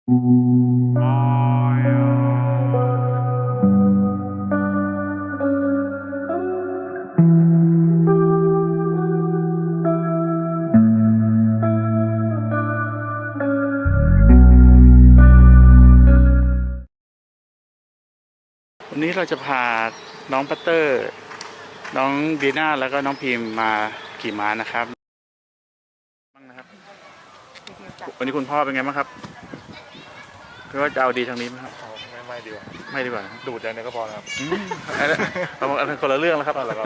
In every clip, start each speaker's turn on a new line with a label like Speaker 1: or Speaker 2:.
Speaker 1: วันนี้เราจะพาน้องปัตเตอร์น้องดีน่าแล้วก็น้องพิมมาขี่ม้านะครับวันนี้คุณพ่อเป็นไงบ้างครับคือว่าจะเอาดีทางนี้ไหมครับ
Speaker 2: ไม่ดีกว่า
Speaker 1: ไม่ดีกว่า
Speaker 2: ดูดอย่างนี้ก็พอครับ
Speaker 1: เราคนละเรื่องแล้วครับแล้ว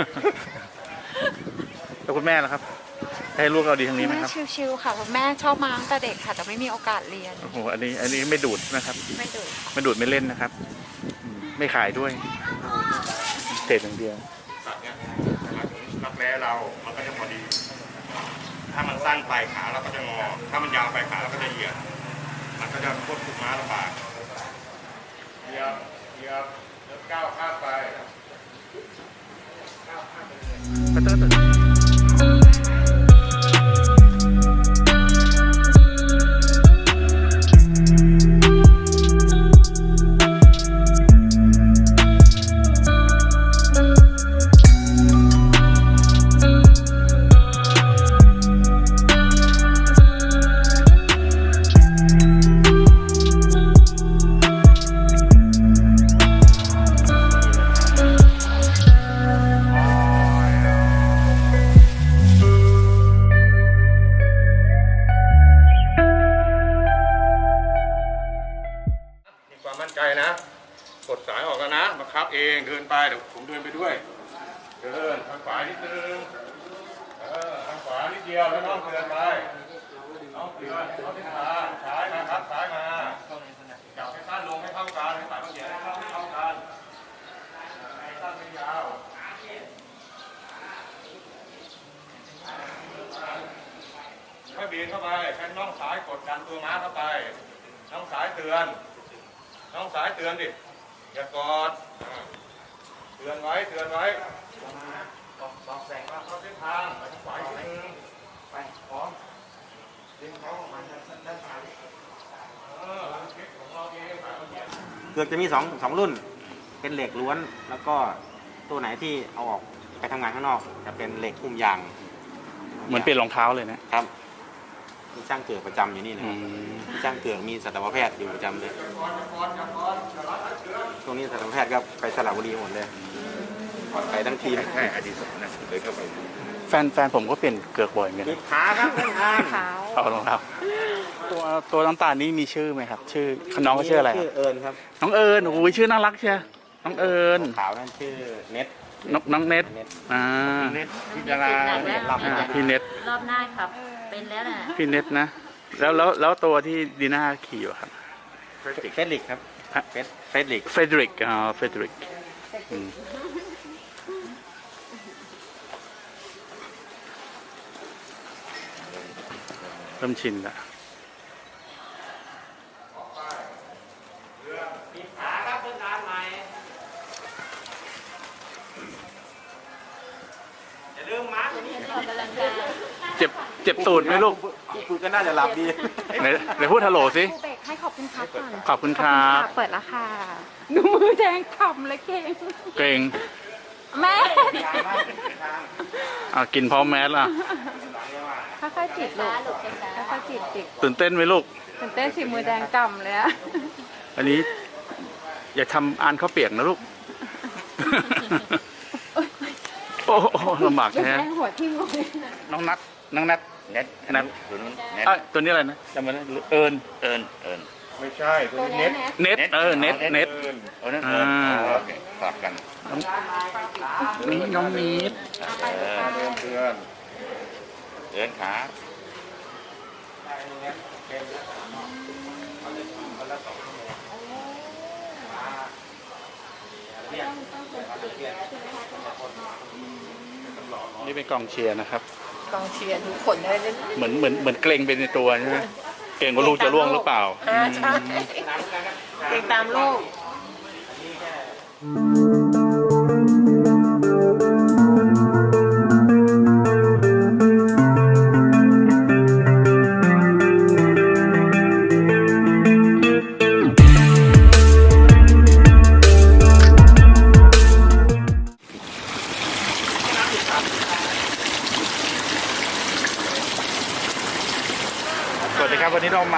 Speaker 1: คุณแม่นะครับให้ลูกเอาดีทางนี้ไหมครับ
Speaker 3: ชิวๆค่ะแม่ชอบมาตั้งแต่เด็กค่ะแต่ไม่มีโอกาสเรียน
Speaker 1: โอ้โหอันนี้ไม่ดูดนะครับ
Speaker 3: ไม่ดูด
Speaker 1: ไม่เล่นนะครับไม่ขายด้วยเศษอย่างเดียว
Speaker 2: ตัดเนี้ยรักแร้เรามันก็จะพอดีถ้ามันสั้นไปขาเราก็จะงอถ้ามันยาวไปขาเราก็จะเหยียดมันก็จะควบคุมม้าลำบากเหยียบแล้วก้าวข้ามไป
Speaker 1: ปัตเตอร์
Speaker 2: มั่นใจนะกดสายออกแล้วนะบังคับเองเดินไปเดี๋ยวผมเดินไปด้วยเดินทางขวานิดนึงทางขวานิดเดียวแล้วน้องเดินไปน้องเดินเอาที่ขาซ้ายมาครับซ้ายมาจับให้สั้นลงให้เท่ากันให้สายมันเหยียดให้เท่ากันให้สั้นไม่ยาวค่อยเบียดเข้าไปใช้น่องซ้ายกดดันตัวม้าเข้าไปน่องซ้ายเตือนน้องสายเตือนดิอย่ากอดเตือนไว้บอกแสงว่าเข้าเส้นทางไปทางขวาอีกนิดนึงไปพร้อมดึงเขาออกมาด้านซ้ายของเราเอง
Speaker 4: เกือกจะมีสองรุ่นเป็นเหล็กล้วนแล้วก็ตัวไหนที่เอาออกไปทำงานข้างนอกจะเป็นเหล็กหุ้มยาง
Speaker 1: เหมือนเปลี่ยนรองเท้าเลยนะครับ
Speaker 4: มีช่างเกือกประจำอยู่นี่นะครับมีช่างเกือกมีสัตวแพทย์อยู่ประจำเลยตรงนี้สัตวแพทย์ก็ไปสระบุรีหมดเลยไปทั้งทีม
Speaker 2: ใช่อดีตนะเลยเข้าไป
Speaker 1: แฟนผมก็เปลี่ยนเกือกบ่อยเหมือนกัน
Speaker 4: ขาครับ
Speaker 1: เอารองเท้าตัวน้ำตาลนี้มีชื่อไหมครับชื่อน้องก็ชื่ออะไร
Speaker 4: ชื่อเอิญครับ
Speaker 1: น้องเอิญโอ้ยชื่อน่ารักเชียวน้องเอิญ
Speaker 4: ขาวนั่นชื่อเน็ต
Speaker 1: น้องเน็ต
Speaker 2: เน็ตพิจารณา
Speaker 1: พี่เน็ต
Speaker 3: รอบหน้าครับเป็นแล้วนะ
Speaker 1: พี่เน็ตนะแล้วตัวที่ดีน่าขี่อยู่ครับ
Speaker 4: เฟดริกครับเฟดริก
Speaker 1: เฟดริกเริ่มชินละเจ็บตูดไหมลูก
Speaker 4: คุณก็น่าจะหลับดี
Speaker 1: ไหนพูดฮัลโหลสิ
Speaker 3: ให้ขอบคุณครับก่อน
Speaker 1: ขอบคุณครับ
Speaker 3: เปิดแล้วค่ะดูมือแดงขำเลยเก่งแม่
Speaker 1: กินพร้อมแมสล่ะ
Speaker 3: ค่อยๆจิตลูกค่อยๆจิต
Speaker 1: ตื่นเต้นไหมลูก
Speaker 3: ตื่นเต้นสิมือแดงกำเลย
Speaker 1: อันนี้อย่าทำอ่านข้าวเปียกนะลูกโอ้ลำบากแท้
Speaker 3: หัวทิ่มเลย
Speaker 1: น้องนัทตัวนี้อะไรนะจำไม่ได้เอิญ
Speaker 2: ไม่ใช่ตัวนี้
Speaker 1: เน็ต
Speaker 2: ฝากกัน
Speaker 1: นี่น้องนิด
Speaker 2: เพื่อนขา
Speaker 1: นี่เป็นกองเชียร์นะครับ
Speaker 3: กองเชียร์ทุกคนได้เล่น
Speaker 1: เหมือนเกรงไปในตัวใช่ไหมเกรงว่าลูกจะล่วงหรือเปล่า
Speaker 3: ใช่เกรงตามลูก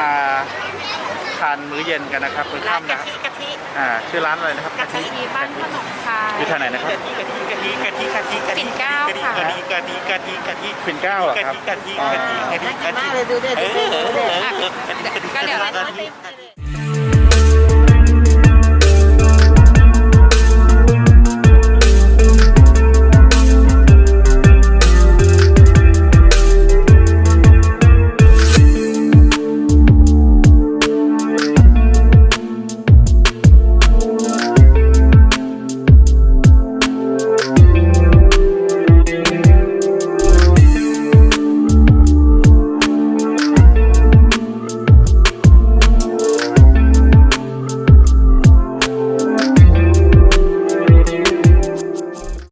Speaker 1: มาทานมื้อเย็นกันนะครับมื้อ
Speaker 3: ร้าน
Speaker 1: ค่ำ
Speaker 3: กะ
Speaker 1: นะครับ
Speaker 3: ทิกะทิ
Speaker 1: ชื่อร้านอะไรนะครับ
Speaker 3: กะทิบ้านขนมคาย
Speaker 1: อยู่ทางไหนนะครับ
Speaker 3: ปิ่นเกล้าค่ะ
Speaker 1: ปิ่นเกล้าเหรอครับ
Speaker 3: น่ากินมากเลยดูเด็ดก็เดี๋ยวเราจะ